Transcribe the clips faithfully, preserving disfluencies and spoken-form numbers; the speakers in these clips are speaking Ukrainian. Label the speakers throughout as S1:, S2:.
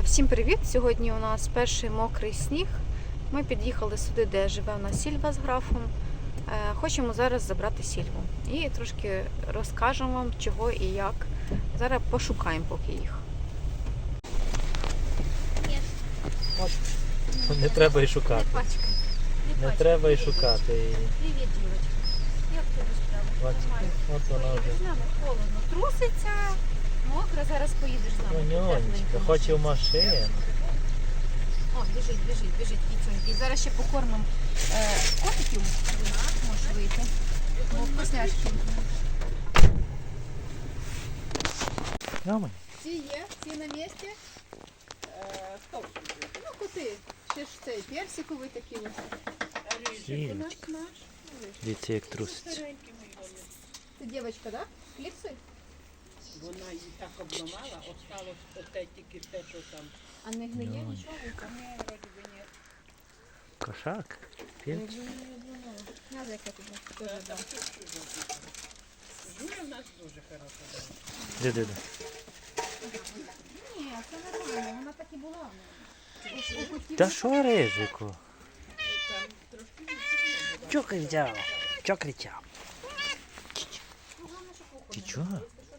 S1: Всім привіт! Сьогодні у нас перший мокрий сніг. Ми під'їхали сюди, де живе у нас Сільва з графом. Хочемо зараз забрати Сільву. І трошки розкажемо вам, чого і як. Зараз пошукаємо поки їх.
S2: От, не треба і шукати.
S1: Не пачкай.
S2: Не, не треба і шукати.
S1: Привіт, Юрочка. Як тобі справа?
S2: Бачите, от вона вже.
S1: З нами холодно. Труситься. Мокро, зараз поїдеш з нами.
S2: Нонечка, хоче в машину.
S1: О, біжить, біжить, біжить, кіцюнький. Зараз ще покормимо е, котиків. Можеш вийти. Бо вкусняшки.
S2: Нормально.
S1: Ці є, ці на місці.
S3: Е, хто?
S1: Ну, коти. Ще ж цей персиковий такий ось.
S2: Сілечка. Дивіться, як труситься.
S1: Це дівчинка, так? Кліпси?
S3: Вона її так обламала, осталось оте тільки те, що там.
S1: А не гниє
S2: Ну,
S1: нічого?
S3: Ні, вроді би ні.
S2: Кошак. Пілч.
S1: Надо яке тобі.
S3: Е,
S1: Теж,
S3: там
S1: да.
S3: тут що зробити. Жуля в нас дуже хороша дала.
S2: Де, де, де?
S1: Ні, це нормально, вона так і була. У котів
S2: Та що, Рижику?
S3: Там трошки відсутня.
S2: Чо кричав? Чо кричав? Ти чого?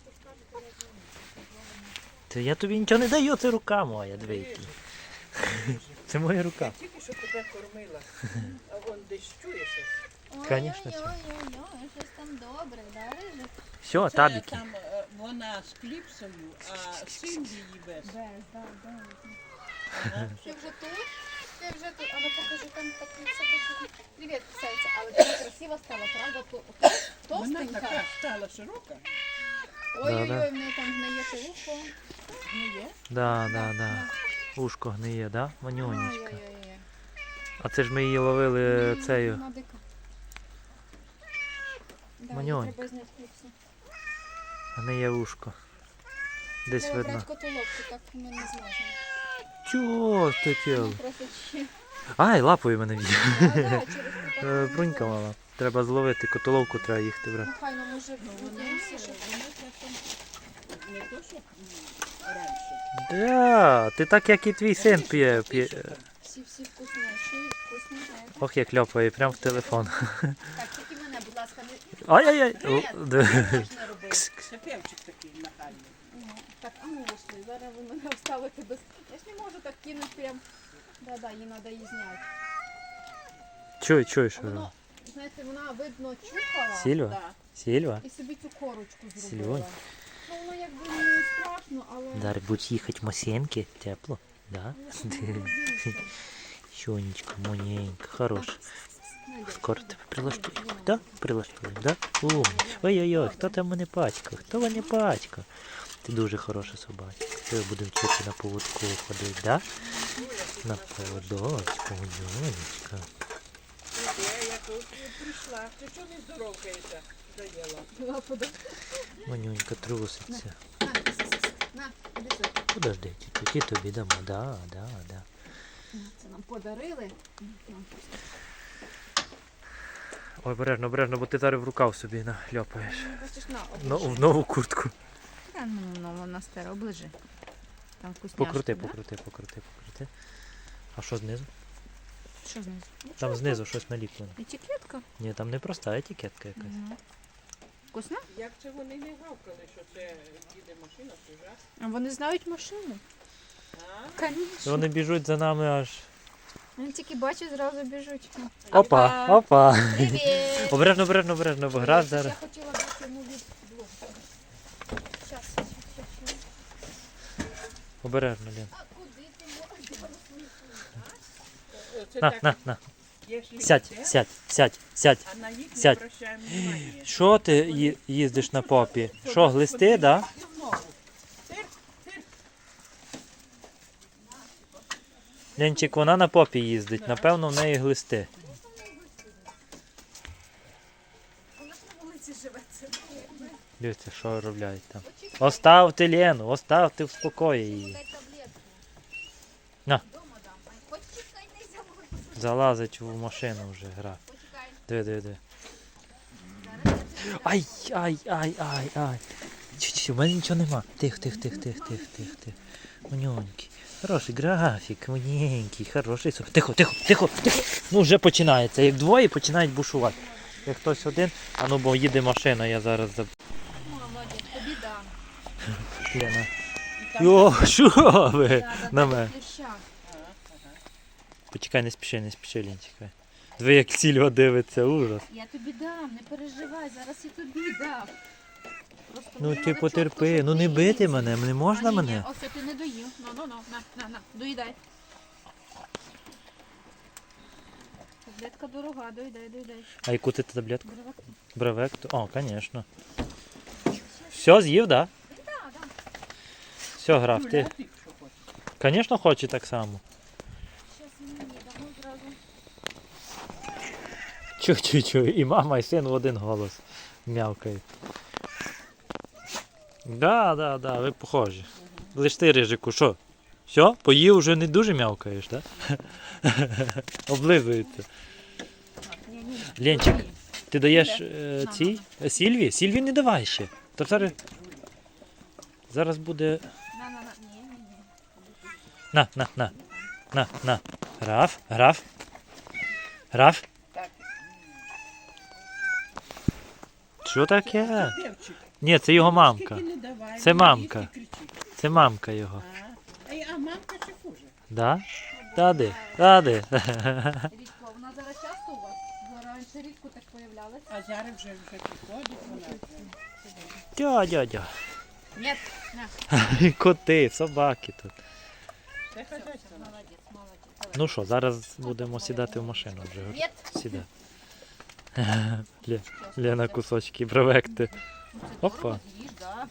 S2: Це я тобі нічого не даю, це рука моя, дивіться. Це моя рука.
S3: Я тільки що тебе кормила, а вон десь чує щось.
S2: Конечно, що.
S1: Ой-ой-ой, щось там добре, да, Рижик?
S2: Все,
S3: Це
S2: табіки.
S3: там е, вона з кліпсою, а син її без.
S1: Без, да, да.
S3: Ага.
S1: Ти вже тут? Ти вже тут? А ну покажи, там такі все такі. Привіт, кусається. Але ти красиво стала, правда? То-
S3: Вона
S1: Товстенька.
S3: така стала широка.
S1: Ой-ой-ой,
S2: Да-да.
S1: в неї там гниє те ухо.
S3: Не є?
S2: Да, да, да. Ушко гниє, да? Манюнечка.
S1: Ой-ой-ой.
S2: А це ж ми її ловили
S1: Ні,
S2: цею.
S1: вона дика. Да, їй
S2: Маньонька.
S1: треба зняти кліпсу.
S2: Гниє ушко. Десь
S1: Треба
S2: видно.
S1: брати котоловку, так ми не зможемо.
S2: Чого ти тіло?
S1: Просто ще.
S2: Ай, лапою мене б'є.
S1: Да, да, через те,
S2: Е,
S1: так,
S2: Брунька мала. Треба зловити, котоловку треба їхати брати.
S1: Ну хай, ну може
S3: Ну вона,
S1: вдінься, щоб...
S3: вона часом не то, що м, раніше.
S2: Да, ти так, як і твій син п'є. п'є.
S1: Всі-всі вкусніші, вкусні, знаєте.
S2: Ох, як ляпає, прямо в телефон.
S1: Так, тільки мене, будь ласка, не...
S2: Ай-яй-яй.
S1: Ні,
S2: О, де.
S1: можна робити.
S3: Це певчик такий нахальний.
S1: Ну, так, а ну вийшли, зараз ви мене оставите без... Я ж не можу так кинути прям... Да-да, їй треба її зняти.
S2: Чуй, чуй, що.
S1: Воно, знаєте, вона, видно, чухала.
S2: Сільва?
S3: Да.
S2: Сільва?
S1: І собі цю корочку
S2: Сільвонь.
S1: зробила. Ну, воно якби не страшно, але...
S2: Дар, будь їхати в Масенки, тепло, да? Щонечко, моненька, хороша. Скоро тебе прилаштуємо, да? Прилаштуємо, да? Умні. Ой-ой-ой, хто там мене пачкав? Хто мене пачкав? Ти дуже хороша собачка. Тебе будемо вчити на поводку ходити, да? На поводочку, монечка.
S3: Я як тут прийшла. Ти чого не здоровкаєшся? Доїла.
S2: Манюнька труситься.
S1: На, на, іди сюди.
S2: Подожди, тільки тобі дамо, да, да, да.
S1: Це нам подарили. Нам
S2: Ой, обережно, обережно, бо ти зараз в рукав собі наляпаєш.
S1: Бачиш, на,
S2: Но,
S1: оближи.
S2: в нову куртку.
S1: Та ну, ну, вона стара, оближи. Там вкусняшки,
S2: Покрути,
S1: да?
S2: покрути, покрути, покрути. А що знизу?
S1: Що знизу?
S2: Там знизу щось наліплено.
S1: Етикетка.
S2: Ні, там не проста етикетка якась.
S1: Угу. Вкусно?
S3: Як це вони не гавкали, що це їде машина чужа?
S1: А вони знають машину.
S3: А?
S1: Конечно.
S2: Вони біжуть за нами аж.
S1: Вони тільки бачать, зразу біжуть.
S2: Опа, опа.
S1: Привіт!
S2: Обережно, обережно, обережно, бо гра зараз.
S1: Я хотіла дати йому від блок. Щас, щас, щас.
S2: Обережно, Лен.
S1: А куди ти можеш?
S3: Це
S2: На,
S3: так,
S2: на, на.
S3: якщо
S2: Сядь,
S3: йде,
S2: сядь, сядь, сядь.
S3: а на їх не
S2: Сядь.
S3: обращаємо внимання.
S2: Що ти ї- їздиш на попі? Що, глисти, да?
S3: І в ногу. Цирк, цирк.
S2: Ленчик, вона на попі їздить, напевно, в неї глисти.
S1: Вона ж на вулиці живе. Це
S2: Дивіться, що роблять там. Оставте Лену, оставте в спокої її.
S1: дай таблетку.
S2: На.
S1: Дома дам. Ай, почекай, не забудь.
S2: Залазить в машину вже гра.
S1: Почекай.
S2: Диви, диви, диви. Ай, ай, ай, ай, ай. Чуть-чуть, у мене нічого нема. Тих, тих, тих, тих, тих, тих, тих. Манюньки. Хороший графік, маленький, хороший. Тихо, тихо, тихо, тихо. Ну вже починається. Як двоє починають бушувати. Як хтось один, а ну бо їде машина, я зараз заб...
S1: Молодець, тобі дам.
S2: Лена. Йо, що ви? На мене. Почекай, не спіши, не спіши, Лін, чекай. Ви як Сільва дивиться, ужас.
S1: Я тобі дам, не переживай, зараз я тобі дам. Просто
S2: Ну
S1: мені
S2: ти
S1: надо
S2: потерпи,
S1: чітко,
S2: ну не
S1: щоб
S2: бити
S1: ти-
S2: мене, не
S1: А,
S2: можна
S1: ні,
S2: мене?
S1: ні, ось ти не доїв. Ну, ну, ну, на, на, на, доїдай. Таблетка дорога, доїдай, доїдай.
S2: А яку ти таблетку?
S1: Дорога.
S2: Бравекту? О, звісно. Все, з'їв, так?
S1: Да, да.
S2: Все, граф, ти. Звісно, хоче так само.
S1: Щас мені дамо зразу.
S2: Чу-чу-чу, і мама, і син в один голос м'явкають. Да, да, да, ви похожі. Лиш ти, Рижику, що? Все? Поїв, вже не дуже м'явкаєш, так? Облизується.
S1: Ні, ні.
S2: Ленчик,
S1: Доїй.
S2: ти даєш
S1: Де?
S2: е,
S1: На,
S2: цій? Е, Сільві? Сільві не давай ще. То зараз... Зараз буде...
S1: На, на, на. Ні, ні, ні.
S2: На, на, на. На, на. Граф, граф. Граф.
S3: Так.
S2: Що таке?
S3: Девчик,
S2: Ні, це його мамка.
S3: скільки не давай,
S2: Це
S3: не
S2: мамка.
S3: їсть і кричить.
S2: Це мамка його.
S3: А, а я- а мамка ще хуже.
S2: Да? Тади, тади.
S1: Рідко, вона зараз часто у вас? Бо раніше рідко так появлялась.
S3: А зараз вже вже підходить вона.
S2: Дя, дя, дя.
S1: Ні, на.
S2: Коти, собаки тут.
S3: Це хазяйство.
S1: Молодець, молодець. Давай.
S2: Ну що, зараз будемо сідати в машину вже.
S1: Ні.
S2: Сідай. Лє- Лена кусочки бровекти. Опа.
S1: Їж, да.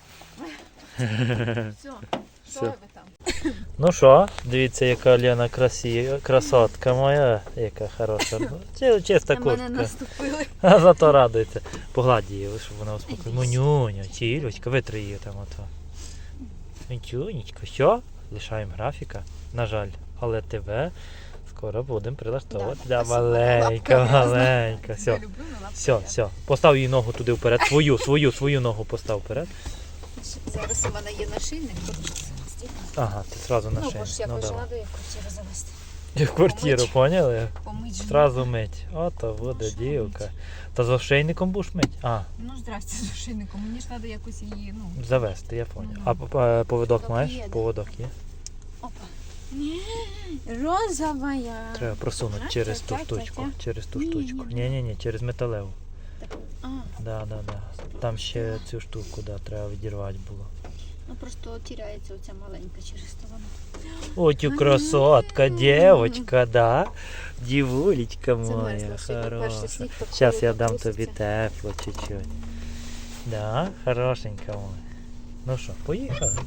S1: Все,
S2: Все.
S1: що ви там?
S2: Ну що, дивіться, яка Лена красі... красотка моя, яка хороша. Ну, чи- Чиста
S1: На мене
S2: куртка.
S1: наступили.
S2: А зато радується. Погладь її, щоб вона успокоїла.
S1: Іди
S2: Монюня, Тільочка, витри її там ото. Монюнечка, що? Лишаємо графіка. На жаль, але тебе скоро будемо прилаштовувати.
S1: Да,
S2: Да,
S1: спасибо.
S2: маленька,
S1: Лапка грязна.
S2: маленька. Все,
S1: Я люблю, але лапка
S2: все,
S1: грязна.
S2: все. Постав її ногу туди вперед. Свою, свою, свою ногу постав вперед.
S1: Зараз у мене є нашийник, хочу зараз.
S2: Ага, ти одразу на
S1: Ну,
S2: шею.
S1: бо ж я
S2: Ну,
S1: пожила
S2: давай.
S1: до квартиру завести.
S2: І в квартиру,
S1: Помить.
S2: поняли?
S1: Помить же.
S2: Зразу мить. Ото буде
S1: що
S2: дівка.
S1: мить?
S2: Та з ошейником будеш мить? А,
S1: Ну, здрасте, з нашийником. Мені ж треба якось її, ну.
S2: завести, я поняв.
S1: Ну,
S2: А п- п- поводок
S1: Поводок
S2: маєш?
S1: є, да.
S2: Поводок є.
S1: Опа. Ні, розовая.
S2: Треба просунути
S1: Ага,
S2: через
S1: ця,
S2: ту
S1: ця,
S2: штучку.
S1: ця.
S2: Через ту
S1: Ні,
S2: штучку.
S1: ні, ні.
S2: Ні, ні, ні, через металеву.
S1: А,
S2: Да, да, да. Там ще цю штуку, да, треба відірвати було.
S1: ну просто тіряється оця маленька через то вона.
S2: Ой, тю красотка, дівочка, да? Дівулечка
S1: Замерзла
S2: моя,
S1: сьогодні, перший
S2: хороша.
S1: сніг так
S2: Зараз я
S1: холодно
S2: дам тобі
S1: труситься.
S2: тепло чуть-чуть. Да, хорошенька моя. Ну що, поїхали?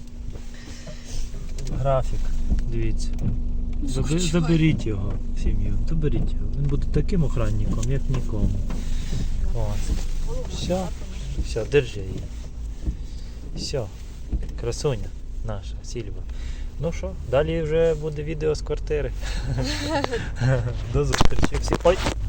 S2: Графік, дивіться. Заби- Заберіть його в сім'ю, заберіть його. Він буде таким охранником, як нікому. Ось. Все, все, держи її. Все, красуня наша, Сільва. Ну що, далі вже буде відео з квартири. До зустрічі всі. Ой!